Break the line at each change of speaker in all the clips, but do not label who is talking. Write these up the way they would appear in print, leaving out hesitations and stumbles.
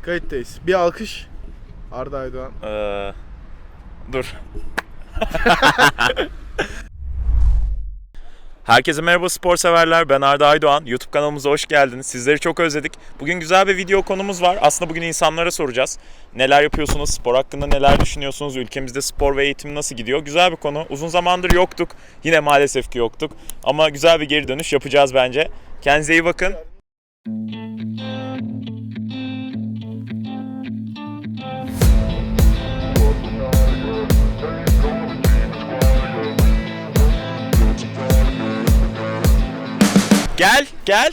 Kayıttayız. Bir alkış. Arda Aydoğan.
Dur. Herkese merhaba spor severler. Ben Arda Aydoğan. YouTube kanalımıza hoş geldiniz. Sizleri çok özledik. Bugün güzel bir video konumuz var. Aslında bugün insanlara soracağız. Neler yapıyorsunuz? Spor hakkında neler düşünüyorsunuz? Ülkemizde spor ve eğitim nasıl gidiyor? Güzel bir konu. Uzun zamandır yoktuk. Yine maalesef ki yoktuk. Ama güzel bir geri dönüş yapacağız bence. Kendinize iyi bakın. Gel, gel.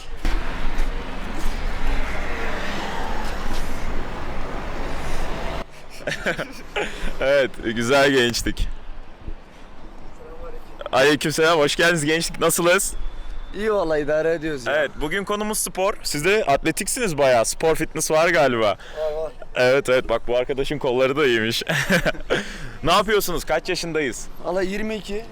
Evet, güzel gençlik. Aleykümselam, hoş geldiniz gençlik. Nasılsınız?
İyi vallahi idare ediyoruz ya.
Evet, bugün konumuz spor. Siz de atletiksiniz bayağı. Spor fitness var galiba.
Var.
Evet, bak bu arkadaşın kolları da iyiymiş. Ne yapıyorsunuz? Kaç yaşındayız?
Valla 22.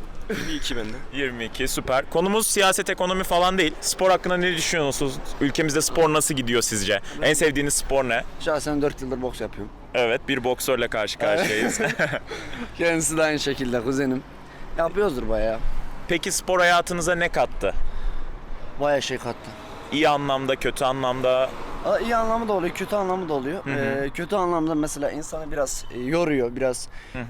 22 bende.
22, süper. Konumuz siyaset, ekonomi falan değil. Spor hakkında ne düşünüyorsunuz? Ülkemizde spor nasıl gidiyor sizce? En sevdiğiniz spor ne?
Şahsen 4 yıldır boks yapıyorum.
Evet, bir boksörle karşı karşıyayız.
Kendisi de aynı şekilde kuzenim. Yapıyoruzdur bayağı.
Peki spor hayatınıza ne kattı?
Bayağı şey kattı.
İyi anlamda, kötü anlamda.
İyi anlamı da oluyor, kötü anlamı da oluyor. Kötü anlamda mesela insanı biraz yoruyor, biraz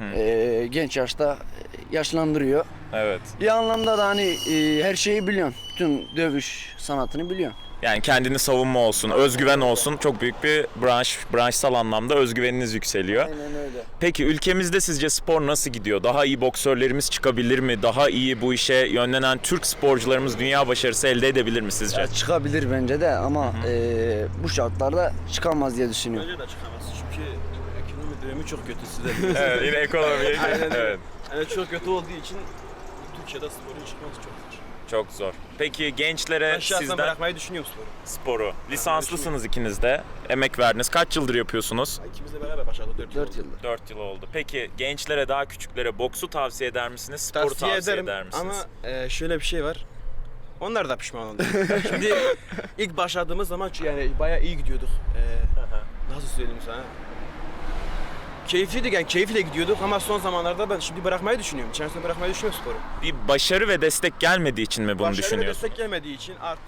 genç yaşta yaşlandırıyor.
Evet.
İyi anlamda da hani her şeyi biliyorsun. Bütün dövüş sanatını biliyorsun.
Yani kendini savunma olsun, özgüven olsun. Çok büyük bir branşsal anlamda özgüveniniz yükseliyor.
Aynen öyle.
Peki ülkemizde sizce spor nasıl gidiyor? Daha iyi boksörlerimiz çıkabilir mi? Daha iyi bu işe yönlenen Türk sporcularımız dünya başarısı elde edebilir mi sizce?
Ya çıkabilir bence de ama bu şartlarda çıkamaz diye düşünüyorum.
Bence de çıkamaz çünkü ekonomi dönemi çok kötü size de.
Evet, yine ekonomiye.
Aynen.
Evet.
Yani çok kötü olduğu için Türkiye'de sporun çıkması çok zor.
Çok zor. Peki gençlere
Ben şahsen
sizden
bırakmayı düşünüyorum sporu.
sporu. Lisanslısınız ikiniz de. Emek verdiniz. Kaç yıldır yapıyorsunuz?
İkimiz de beraber başladık 4 yıl.
4 yıldır.
4 yıl oldu. Peki gençlere, daha küçüklere boksu tavsiye eder misiniz? Sporu tavsiye eder misiniz?
ama şöyle bir şey var. Onlar da pişman oldu. Şimdi ilk başladığımız zaman yani bayağı iyi gidiyorduk. Nasıl söyleyeyim sana? Keyifliydik yani keyifle gidiyorduk ama son zamanlarda ben şimdi bırakmayı düşünüyorum. İçerisinde bırakmayı düşünüyorum sporu.
Bir başarı ve destek gelmediği için mi bunu
Başarı ve
düşünüyorsun?
destek gelmediği için artı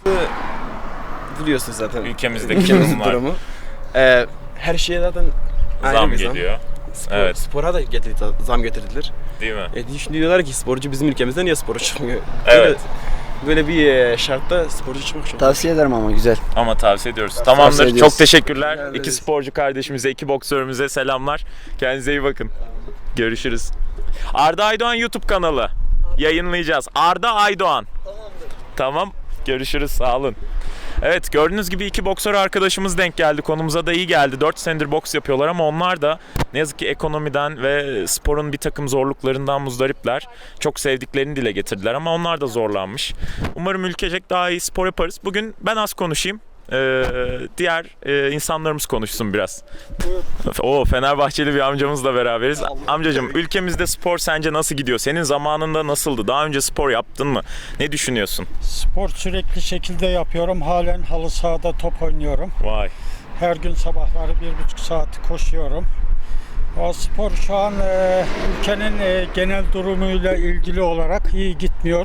biliyorsun zaten
Ülkemizdeki durumlar.
durumu. Her şeye zaten ayrı
Zam
bir
geliyor. Evet.
Spora da zam getirdiler.
Değil mi?
Şimdi diyorlar ki sporcu bizim ülkemizde niye spora çıkmıyor?
Evet.
Böyle bir şartta sporcu çıkmak çok.
Tavsiye ederim ama güzel.
Ama tavsiye ediyoruz. Tamamdır.
ediyoruz.
Çok teşekkürler.
Rica
İki
ederiz.
sporcu kardeşimize, iki boksörümüze selamlar. Kendinize iyi bakın. Görüşürüz. Arda Aydoğan YouTube kanalı. Yayınlayacağız. Arda Aydoğan. Tamam. Görüşürüz. Sağ olun. Evet, gördüğünüz gibi iki boksör arkadaşımız denk geldi. Konumuza da iyi geldi. 4 senedir boks yapıyorlar ama onlar da ne yazık ki ekonomiden ve sporun bir takım zorluklarından muzdaripler. Çok sevdiklerini dile getirdiler ama onlar da zorlanmış. Umarım ülkecek daha iyi spor yaparız. Bugün ben az konuşayım. Diğer insanlarımız konuşsun biraz. O Fenerbahçeli bir amcamızla beraberiz. Amcacığım, ülkemizde spor sence nasıl gidiyor? Senin zamanında nasıldı? Daha önce spor yaptın mı? Ne düşünüyorsun?
Spor sürekli şekilde yapıyorum. Halen halı sahada top oynuyorum.
Vay.
Her gün sabahları 1,5 saat koşuyorum. O spor şu an ülkenin genel durumuyla ilgili olarak iyi gitmiyor.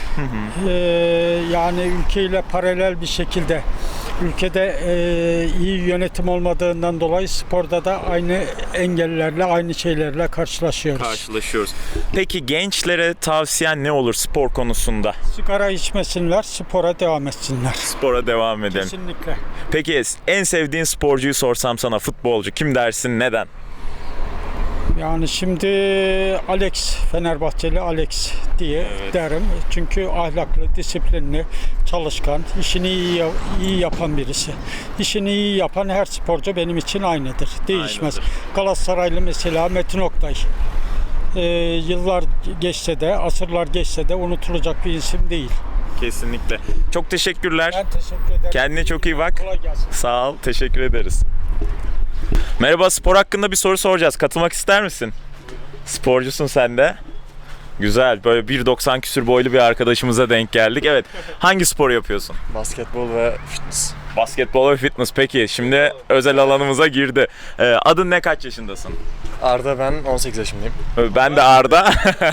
Yani ülkeyle paralel bir şekilde ülkede iyi yönetim olmadığından dolayı sporda da aynı engellerle, aynı şeylerle karşılaşıyoruz.
Peki gençlere tavsiyen ne olur spor konusunda?
Sigara içmesinler, spora devam etsinler.
Spora devam edelim.
Kesinlikle.
Peki en sevdiğin sporcuyu sorsam sana, futbolcu kim dersin, neden?
Yani şimdi Alex, Fenerbahçeli Alex diye derim. Çünkü ahlaklı, disiplinli, çalışkan, işini iyi yapan birisi. İşini iyi yapan her sporcu benim için aynıdır. Değişmez.
Aynıdır.
Galatasaraylı mesela Metin Oktay. Yıllar geçse de, asırlar geçse de unutulacak bir isim değil.
Kesinlikle. Çok teşekkürler.
Ben teşekkür ederim.
Kendine çok iyi bak.
Kolay gelsin.
Sağ ol, teşekkür ederiz. Merhaba, spor hakkında bir soru soracağız. Katılmak ister misin? Sporcusun sen de. Güzel, böyle 1,90 küsür boylu bir arkadaşımıza denk geldik. Evet, hangi spor yapıyorsun?
Basketbol ve fitness.
Basketbol ve fitness. Peki şimdi özel alanımıza girdi. Adın ne, kaç yaşındasın?
Arda, ben 18 yaşındayım.
Ben de Arda.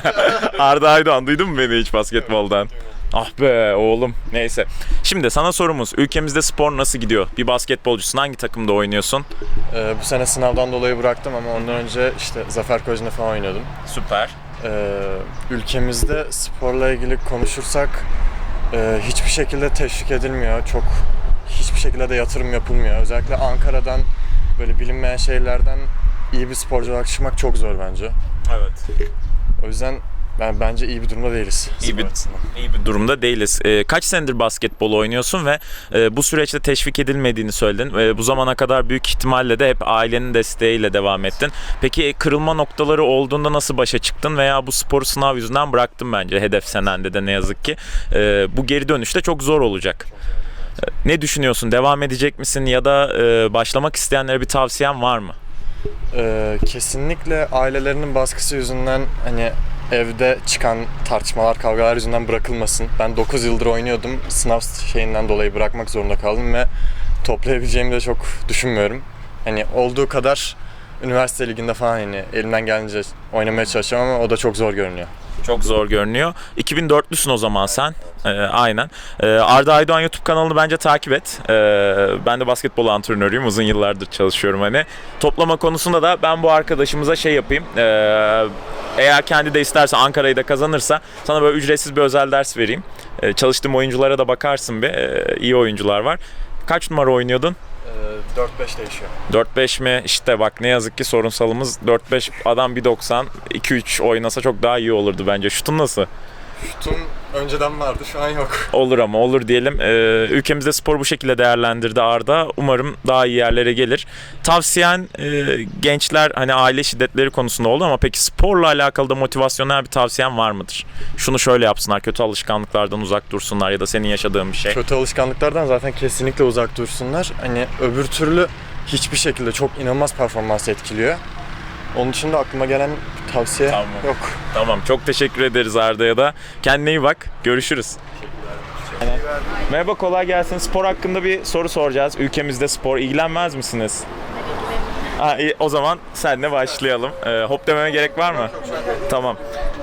Arda Aydoğan, duydun mu beni hiç basketboldan? Ah be oğlum. Neyse. Şimdi sana sorumuz. Ülkemizde spor nasıl gidiyor? Bir basketbolcusun. Hangi takımda oynuyorsun?
Bu sene sınavdan dolayı bıraktım ama ondan önce işte Zafer Koleji'nde falan oynuyordum.
Süper.
Ülkemizde sporla ilgili konuşursak hiçbir şekilde teşvik edilmiyor. Hiçbir şekilde de yatırım yapılmıyor. Özellikle Ankara'dan böyle bilinmeyen şeylerden iyi bir sporcu olarak çıkmak çok zor bence.
Evet.
O yüzden bence iyi bir durumda değiliz.
İyi bir durumda değiliz. Kaç senedir basketbol oynuyorsun ve bu süreçte teşvik edilmediğini söyledin. Bu zamana kadar büyük ihtimalle de hep ailenin desteğiyle devam ettin. Peki kırılma noktaları olduğunda nasıl başa çıktın veya bu sporu sınav yüzünden bıraktın bence, hedef senende de ne yazık ki. Bu geri dönüşte çok zor olacak. Ne düşünüyorsun? Devam edecek misin ya da başlamak isteyenlere bir tavsiyen var mı?
Kesinlikle ailelerinin baskısı yüzünden hani evde çıkan tartışmalar, kavgalar yüzünden bırakılmasın. Ben 9 yıldır oynuyordum. Sınav şeyinden dolayı bırakmak zorunda kaldım ve toplayabileceğimi de çok düşünmüyorum. Hani olduğu kadar üniversite liginde falan hani elimden geldiğince oynamaya çalışacağım ama o da çok zor görünüyor.
Çok zor görünüyor. 2004'lüsün o zaman sen. Aynen. Arda Aydoğan YouTube kanalını bence takip et. Ben de basketbol antrenörüyüm. Uzun yıllardır çalışıyorum hani. Toplama konusunda da ben bu arkadaşımıza şey yapayım. Eğer kendi de isterse, Ankara'yı da kazanırsa sana böyle ücretsiz bir özel ders vereyim. Çalıştığım oyunculara da bakarsın bir. İyi oyuncular var. Kaç numara oynuyordun?
4-5 değişiyor.
4-5 mi? İşte bak ne yazık ki sorunsalımız 4-5, adam 1.90, 2-3 oynasa çok daha iyi olurdu bence. Şutun nasıl?
Şutum önceden vardı, şu an yok.
Olur ama olur diyelim. Ülkemizde spor bu şekilde değerlendirdi Arda. Umarım daha iyi yerlere gelir. Tavsiyen gençler hani aile şiddetleri konusunda oldu ama peki sporla alakalı da motivasyonel bir tavsiyen var mıdır? Şunu şöyle yapsınlar, kötü alışkanlıklardan uzak dursunlar ya da senin yaşadığın bir şey.
Kötü alışkanlıklardan zaten kesinlikle uzak dursunlar. Hani öbür türlü hiçbir şekilde çok inanılmaz performans etkiliyor. Onun için de aklıma gelen tavsiye yok.
Tamam, çok teşekkür ederiz Arda'ya da. Kendine iyi bak. Görüşürüz. Merhaba, kolay gelsin. Spor hakkında bir soru soracağız. Ülkemizde spor ilgilenmez misiniz? İyi, o zaman seninle başlayalım. Hop dememe gerek var mı? Tamam.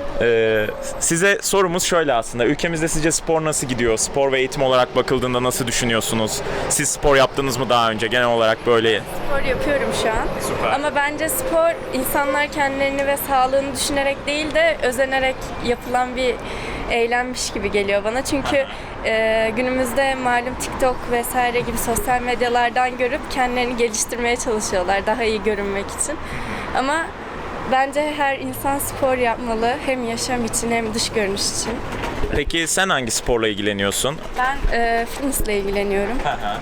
Size sorumuz şöyle aslında. Ülkemizde sizce spor nasıl gidiyor? Spor ve eğitim olarak bakıldığında nasıl düşünüyorsunuz? Siz spor yaptınız mı daha önce? Genel olarak böyle.
Spor yapıyorum şu an.
Süper.
Ama bence spor insanlar kendilerini ve sağlığını düşünerek değil de özenerek yapılan bir eylemmiş gibi geliyor bana. Çünkü günümüzde malum TikTok vesaire gibi sosyal medyalardan görüp kendilerini geliştirmeye çalışıyorlar daha iyi görünmek için. Ama bence her insan spor yapmalı, hem yaşam için hem dış görünüş için.
Peki sen hangi sporla ilgileniyorsun?
Ben fitnessle ilgileniyorum.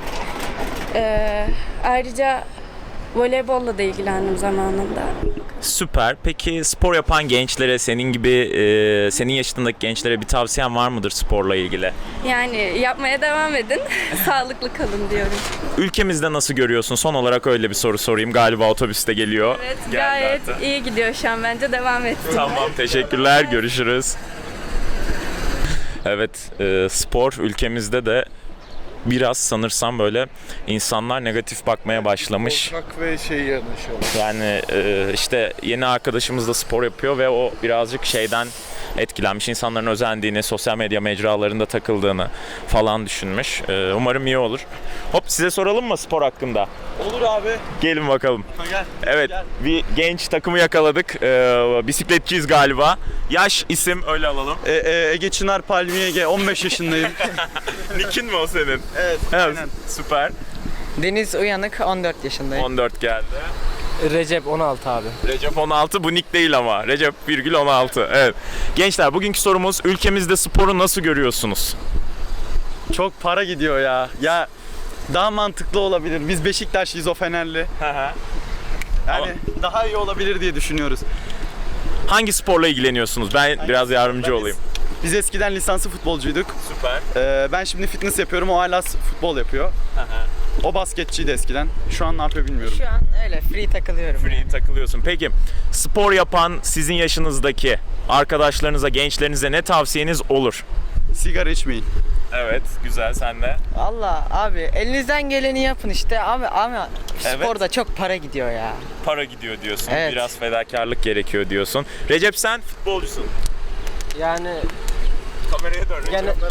Ayrıca voleybolla da ilgilendim zamanında.
Süper. Peki spor yapan gençlere, senin gibi senin yaşındaki gençlere bir tavsiyen var mıdır sporla ilgili?
Yani yapmaya devam edin, sağlıklı kalın diyorum.
Ülkemizde nasıl görüyorsun? Son olarak öyle bir soru sorayım. Galiba otobüs de geliyor.
Evet,
Geldi
gayet
hatta.
iyi gidiyor şu an, bence devam et.
Tamam, teşekkürler. Görüşürüz. Evet, spor ülkemizde de biraz sanırsam böyle insanlar negatif bakmaya başlamış.
Korkak ve yanlış.
Yani işte yeni arkadaşımız da spor yapıyor ve o birazcık şeyden etkilenmiş. İnsanların özendiğini, sosyal medya mecralarında takıldığını falan düşünmüş. Umarım iyi olur. Hop, size soralım mı spor hakkında?
Olur abi.
Gelin bakalım.
Gel.
Evet, bir genç takımı yakaladık. Bisikletçiyiz galiba. Yaş, isim öyle alalım.
Ege Çınar Palmiye Ege, 15 yaşındayım.
Nick'in mi o senin?
Evet, aynen.
Süper.
Deniz Uyanık, 14 yaşındayım.
14 geldi.
Recep 16 abi.
Recep 16, bu nick değil ama. Recep virgül 16. Evet. Gençler, bugünkü sorumuz, ülkemizde sporu nasıl görüyorsunuz?
Çok para gidiyor ya. Ya daha mantıklı olabilir. Biz Beşiktaşlıyız, o Fenerli. Yani daha iyi olabilir diye düşünüyoruz.
Hangi sporla ilgileniyorsunuz? Ben biraz yardımcı olayım.
Biz eskiden lisanslı futbolcuyduk.
Süper.
Ben şimdi fitness yapıyorum, o hala futbol yapıyor. O basketçiydi eskiden. Şu an ne yapıyor bilmiyorum.
Şu an öyle free takılıyorum.
Free takılıyorsun. Peki spor yapan sizin yaşınızdaki arkadaşlarınıza, gençlerinize ne tavsiyeniz olur?
Sigara içmeyin.
Evet, güzel. Sen de?
Valla abi elinizden geleni yapın işte ama
Evet.
sporda çok para gidiyor ya.
Para gidiyor diyorsun.
Evet.
Biraz fedakarlık gerekiyor diyorsun. Recep, sen futbolcusun.
Yani
Kameraya dön Recep.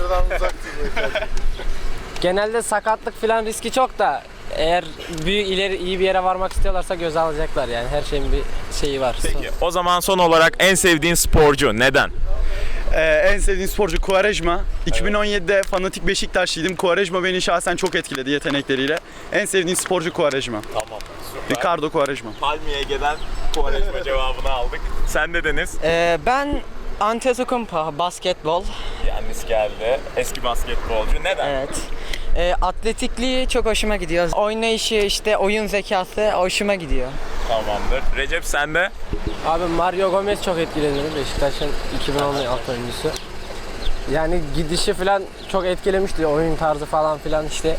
genelde sakatlık falan riski çok da eğer ileri iyi bir yere varmak istiyorlarsa göze alacaklar yani her şeyin bir şeyi var.
Peki, o zaman son olarak en sevdiğin sporcu neden?
En sevdiğim sporcu Quaresma. 2017'de fanatik Beşiktaşlıydım. Quaresma beni şahsen çok etkiledi yetenekleriyle. En sevdiğim sporcu Quaresma.
Tamam. Süper.
Ricardo Quaresma.
Palmiye'ye gelen Quaresma cevabını aldık. Sen de Deniz.
Ben Antetokounmpo basketbol.
Yannis geldi. Eski basketbolcu. Neden?
Evet. Atletikliği çok hoşuma gidiyor. Oynayışı işte oyun zekası hoşuma gidiyor.
Tamamdır. Recep, sen de?
Abi Mario Gomez çok etkiledi beni. Beşiktaş'ın 2016 oyuncusu. Yani gidişi falan çok etkilemişti. Oyun tarzı falan filan işte.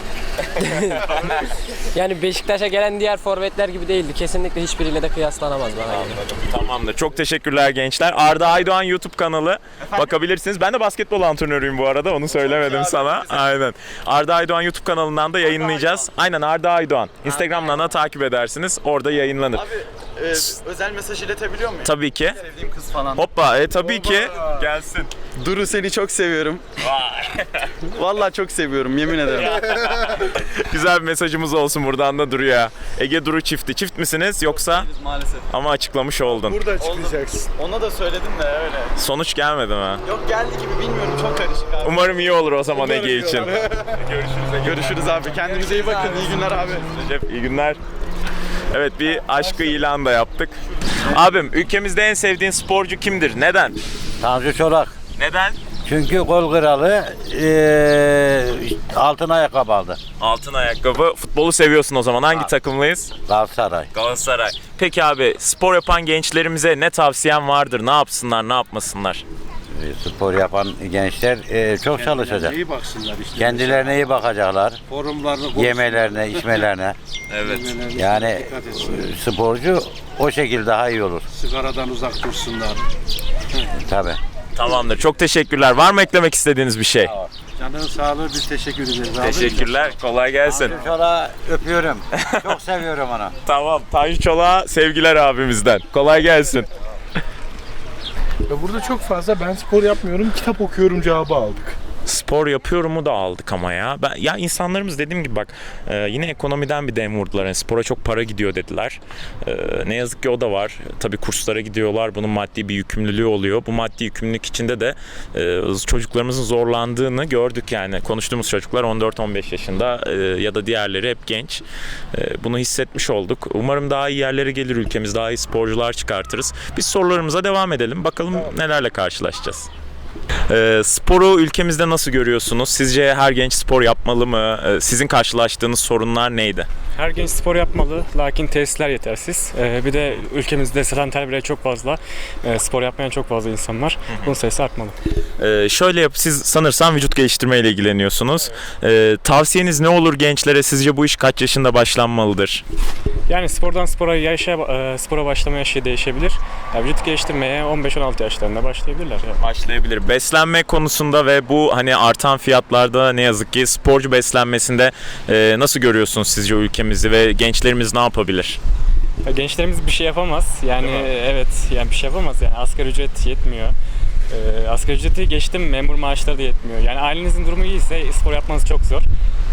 Yani Beşiktaş'a gelen diğer forvetler gibi değildi. Kesinlikle hiçbiriyle de kıyaslanamaz bana göre.
Anladım. Tamamdır. Çok teşekkürler gençler. Arda Aydoğan YouTube kanalı. Bakabilirsiniz. Ben de basketbol antrenörüyüm bu arada. Onu söylemedim sana. Aynen. Arda Aydoğan YouTube kanalından da yayınlayacağız. Aynen, Arda Aydoğan. Instagram'dan da takip edersiniz. Orada yayınlanır.
Abi özel mesaj iletebiliyor muyum?
Tabii ki.
Sevdiğim kız falan.
Hoppa, tabii ki. Gelsin.
Duru, seni çok seviyorum.
Vay.
Vallahi çok seviyorum, yemin ederim.
Güzel bir mesajımız olsun buradan da Duru'ya. Ege Duru çifti. Çift misiniz yoksa?
Maalesef.
Ama açıklamış oldun.
Burada çıkacaksın.
Ona da söyledim de öyle.
Sonuç gelmedi mi?
Yok, geldi gibi bilmiyorum, çok karışık abi.
Umarım iyi olur o zaman Ege için.
Görüşürüz abi. Kendinize iyi bakın. İyi günler abi.
Recep, iyi günler. Evet, bir aşkı ilan da yaptık. Abim, ülkemizde en sevdiğin sporcu kimdir? Neden?
Tanju Çolak.
Neden?
Çünkü gol kralı altın ayakkabı aldı.
Altın ayakkabı. Futbolu seviyorsun o zaman. Hangi takımlıyız?
Galatasaray.
Galatasaray. Peki abi, spor yapan gençlerimize ne tavsiyen vardır? Ne yapsınlar, ne yapmasınlar?
Spor yapan gençler çok çalışacak.
İyi baksınlar işte.
Kendilerine iyi bakacaklar.
Forumlarını
Yemelerine, içmelerine.
Evet.
Yani sporcu o şekilde daha iyi olur.
Sigaradan uzak dursunlar.
Tabii.
Tamamdır. Çok teşekkürler. Var mı eklemek istediğiniz bir şey?
Canın sağlığı, biz teşekkür ederiz abi.
Teşekkürler. Kolay gelsin.
Tanju Çolak'ı öpüyorum. Çok seviyorum onu.
Tamam. Tanju Çolak'a sevgiler abimizden. Kolay gelsin.
Ya burada çok fazla ben spor yapmıyorum, kitap okuyorum cevabı aldık.
Spor yapıyorumu da aldık ama ya. Ya insanlarımız dediğim gibi bak yine ekonomiden bir dem vurdular. Yani spora çok para gidiyor dediler. Ne yazık ki o da var. Tabii kurslara gidiyorlar. Bunun maddi bir yükümlülüğü oluyor. Bu maddi yükümlülük içinde de çocuklarımızın zorlandığını gördük yani. Konuştuğumuz çocuklar 14-15 yaşında ya da diğerleri hep genç. Bunu hissetmiş olduk. Umarım daha iyi yerlere gelir ülkemiz. Daha iyi sporcular çıkartırız. Biz sorularımıza devam edelim. Bakalım nelerle karşılaşacağız. Sporu ülkemizde nasıl görüyorsunuz? Sizce her genç spor yapmalı mı? Sizin karşılaştığınız sorunlar neydi?
Her genç spor yapmalı, lakin tesisler yetersiz. Bir de ülkemizde sedanter birey çok fazla. Spor yapmayan çok fazla insan var. Bunun sayısı artmalı.
Şöyle siz sanırsam vücut geliştirmeyle ilgileniyorsunuz. Tavsiyeniz ne olur gençlere? Sizce bu iş kaç yaşında başlanmalıdır?
Yani spordan spora başlama yaşı değişebilir. Yani vücut geliştirmeye 15-16 yaşlarında başlayabilirler. Yani.
Başlayabilir. Beslenme konusunda ve bu hani artan fiyatlarda ne yazık ki sporcu beslenmesinde nasıl görüyorsunuz sizce ülkemizi ve gençlerimiz ne yapabilir?
Ya gençlerimiz bir şey yapamaz. Yani evet, yani bir şey yapamaz. Yani asgari ücret yetmiyor. Asgari ücreti geçtim, memur maaşları da yetmiyor. Yani ailenizin durumu iyiyse spor yapmanız çok zor.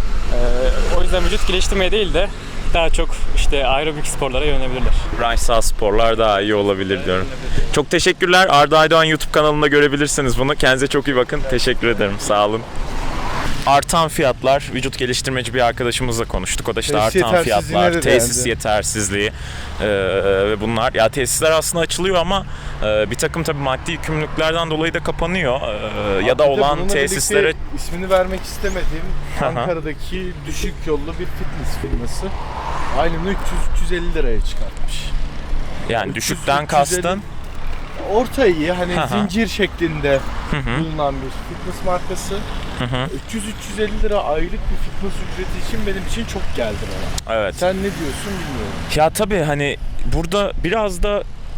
O yüzden vücut geliştirmeye değil de daha çok işte aerobik sporlara yönelebilirler.
Branş sağ sporlar daha iyi olabilir diyorum. Çok teşekkürler. Arda Aydoğan YouTube kanalında görebilirsiniz bunu. Kendinize çok iyi bakın. Teşekkür ederim. Sağ olun. Artan fiyatlar, vücut geliştirmeci bir arkadaşımızla konuştuk. O da işte
Tesis
artan fiyatlar,
yetersizliğine de
tesis
değindi.
yetersizliği ve bunlar. Ya tesisler aslında açılıyor ama bir takım tabii maddi yükümlülüklerden dolayı da kapanıyor. Ya da olan
Bununla
tesislere...
birlikte ismini vermek istemediğim Ankara'daki düşük yollu bir fitness firması aylığını 300-350 liraya çıkartmış.
Yani düşükten kastın?
Orta iyi, hani
Hı hı.
zincir şeklinde
Hı hı.
bulunan bir fitness markası.
Hı hı.
300-350 lira aylık bir fitness ücreti için benim için çok geldi bana.
Evet.
Sen ne diyorsun bilmiyorum.
Ya tabii hani burada biraz da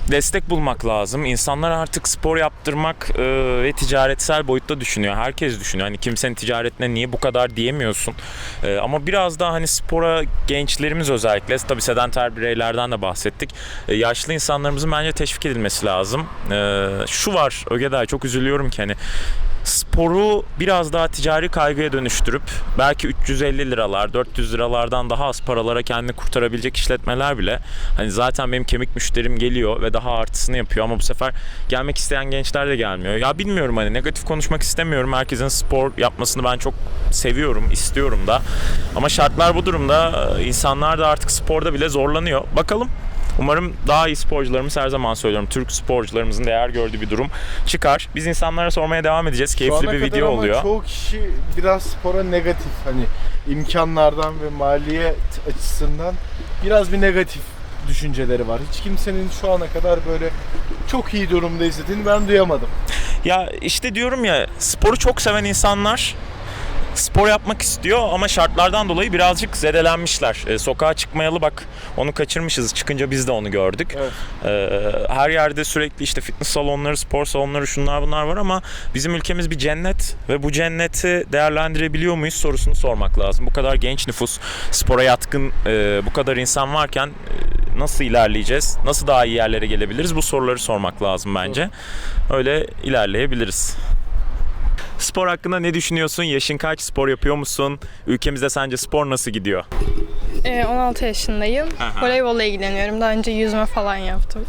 destek bulmak lazım. İnsanlar artık spor yaptırmak ve ticaretsel boyutta düşünüyor. Herkes düşünüyor. Hani kimsenin ticaretine niye bu kadar diyemiyorsun. Ama biraz daha hani spora gençlerimiz özellikle, tabii sedanter bireylerden de bahsettik. Yaşlı insanlarımızın bence teşvik edilmesi lazım. Şu var Ögeday, çok üzülüyorum ki hani sporu biraz daha ticari kaygıya dönüştürüp belki 350 liralar, 400 liralardan daha az paralara kendini kurtarabilecek işletmeler bile hani zaten benim kemik müşterim geliyor ve daha artısını yapıyor ama bu sefer gelmek isteyen gençler de gelmiyor. Ya bilmiyorum, hani negatif konuşmak istemiyorum. Herkesin spor yapmasını ben çok seviyorum, istiyorum da. Ama şartlar bu durumda. İnsanlar da artık sporda bile zorlanıyor. Bakalım. Umarım daha iyi sporcularımız, her zaman söylüyorum, Türk sporcularımızın değer gördüğü bir durum çıkar. Biz insanlara sormaya devam edeceğiz. Keyifli bir video oluyor.
Ama çoğu kişi biraz spora negatif, hani imkanlardan ve maliyet açısından biraz bir negatif düşünceleri var. Hiç kimsenin şu ana kadar böyle çok iyi durumda izlediğini ben duyamadım.
Ya işte diyorum ya, sporu çok seven insanlar spor yapmak istiyor ama şartlardan dolayı birazcık zedelenmişler. Sokağa çıkmayalı bak, onu kaçırmışız. Çıkınca biz de onu gördük.
Evet.
Her yerde sürekli işte fitness salonları, spor salonları, şunlar bunlar var ama bizim ülkemiz bir cennet ve bu cenneti değerlendirebiliyor muyuz sorusunu sormak lazım. Bu kadar genç nüfus, spora yatkın bu kadar insan varken nasıl ilerleyeceğiz? Nasıl daha iyi yerlere gelebiliriz? Bu soruları sormak lazım bence. Öyle ilerleyebiliriz. Spor hakkında ne düşünüyorsun? Yaşın kaç? Spor yapıyor musun? Ülkemizde sence spor nasıl gidiyor?
16 yaşındayım. Voleybolla ilgileniyorum. Daha önce yüzme falan yaptım.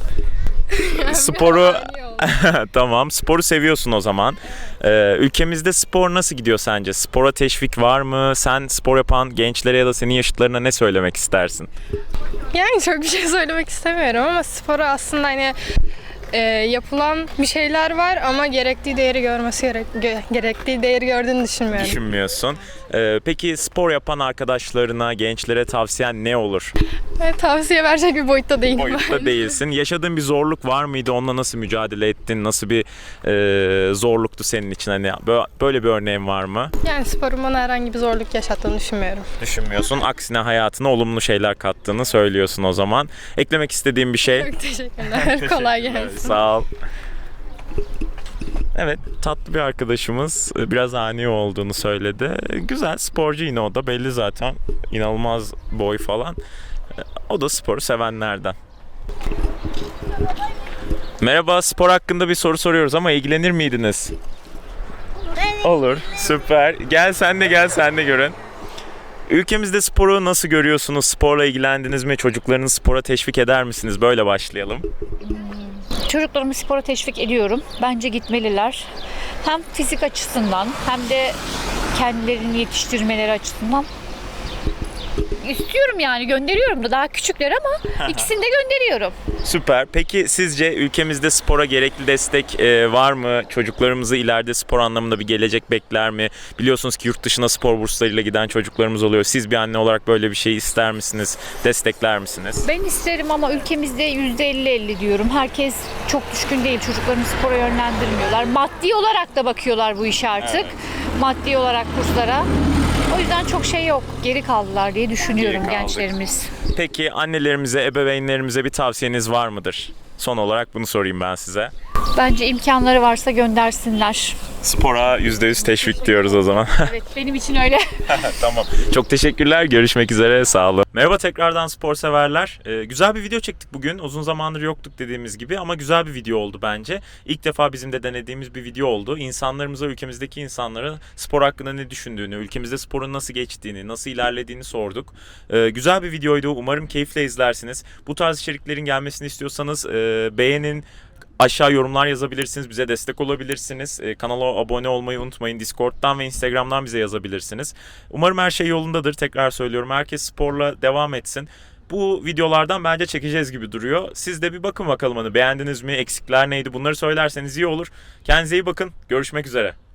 Sporu tamam. Sporu seviyorsun o zaman. Ülkemizde spor nasıl gidiyor sence? Spora teşvik var mı? Sen spor yapan gençlere ya da senin yaşıtlarına ne söylemek istersin?
Yani çok bir şey söylemek istemiyorum ama spora aslında hani yapılan bir şeyler var ama gerektiği değeri gerektiği değeri gördüğünü düşünmüyorum.
Düşünmüyorsun. Peki spor yapan arkadaşlarına, gençlere tavsiyen ne olur?
Tavsiye verecek bir boyutta değilim.
Boyutta değilsin. Yaşadığın bir zorluk var mıydı? Onunla nasıl mücadele ettin? Nasıl bir zorluktu senin için? Hani böyle bir örneğin var mı?
Yani sporun bana herhangi bir zorluk yaşattığını düşünmüyorum.
Düşünmüyorsun. Aksine hayatına olumlu şeyler kattığını söylüyorsun o zaman. Eklemek istediğin bir şey?
Çok teşekkürler. Kolay gelsin.
Sağ ol. Evet, tatlı bir arkadaşımız, biraz ani olduğunu söyledi. Güzel, sporcu yine o da, belli zaten. İnanılmaz boy falan. O da sporu sevenlerden. Merhaba, spor hakkında bir soru soruyoruz ama ilgilenir miydiniz? Olur, süper. Gel sen de görün. Ülkemizde sporu nasıl görüyorsunuz? Sporla ilgilendiniz mi? Çocuklarınızı spora teşvik eder misiniz? Böyle başlayalım.
Çocuklarımı spora teşvik ediyorum. Bence gitmeliler. Hem fizik açısından hem de kendilerini yetiştirmeleri açısından. İstiyorum yani, gönderiyorum da, daha küçükler ama ikisini de gönderiyorum.
Süper. Peki sizce ülkemizde spora gerekli destek var mı? Çocuklarımızı ileride spor anlamında bir gelecek bekler mi? Biliyorsunuz ki yurt dışına spor burslarıyla giden çocuklarımız oluyor. Siz bir anne olarak böyle bir şey ister misiniz? Destekler misiniz?
Ben isterim ama ülkemizde %50-50 diyorum. Herkes çok düşkün değil. Çocuklarını spora yönlendirmiyorlar. Maddi olarak da bakıyorlar bu işe artık. Evet. Maddi olarak kurslara. O yüzden çok şey yok. Geri kaldılar diye düşünüyorum gençlerimiz.
Peki annelerimize, ebeveynlerimize bir tavsiyeniz var mıdır? Son olarak bunu sorayım ben size.
Bence imkanları varsa göndersinler.
Spora %100 teşvik diyoruz o zaman.
Evet, benim için öyle.
Tamam. Çok teşekkürler. Görüşmek üzere. Sağ olun. Merhaba tekrardan spor severler. Güzel bir video çektik bugün. Uzun zamandır yoktuk dediğimiz gibi ama güzel bir video oldu bence. İlk defa bizim de denediğimiz bir video oldu. İnsanlarımıza, ülkemizdeki insanlara spor hakkında ne düşündüğünü, ülkemizde sporun nasıl geçtiğini, nasıl ilerlediğini sorduk. Güzel bir videoydu. Umarım keyifle izlersiniz. Bu tarz içeriklerin gelmesini istiyorsanız beğenin. Aşağı yorumlar yazabilirsiniz, bize destek olabilirsiniz. Kanala abone olmayı unutmayın. Discord'dan ve Instagram'dan bize yazabilirsiniz. Umarım her şey yolundadır. Tekrar söylüyorum, herkes sporla devam etsin. Bu videolardan bence çekeceğiz gibi duruyor. Siz de bir bakın bakalım, hani beğendiniz mi, eksikler neydi, bunları söylerseniz iyi olur. Kendinize iyi bakın, görüşmek üzere.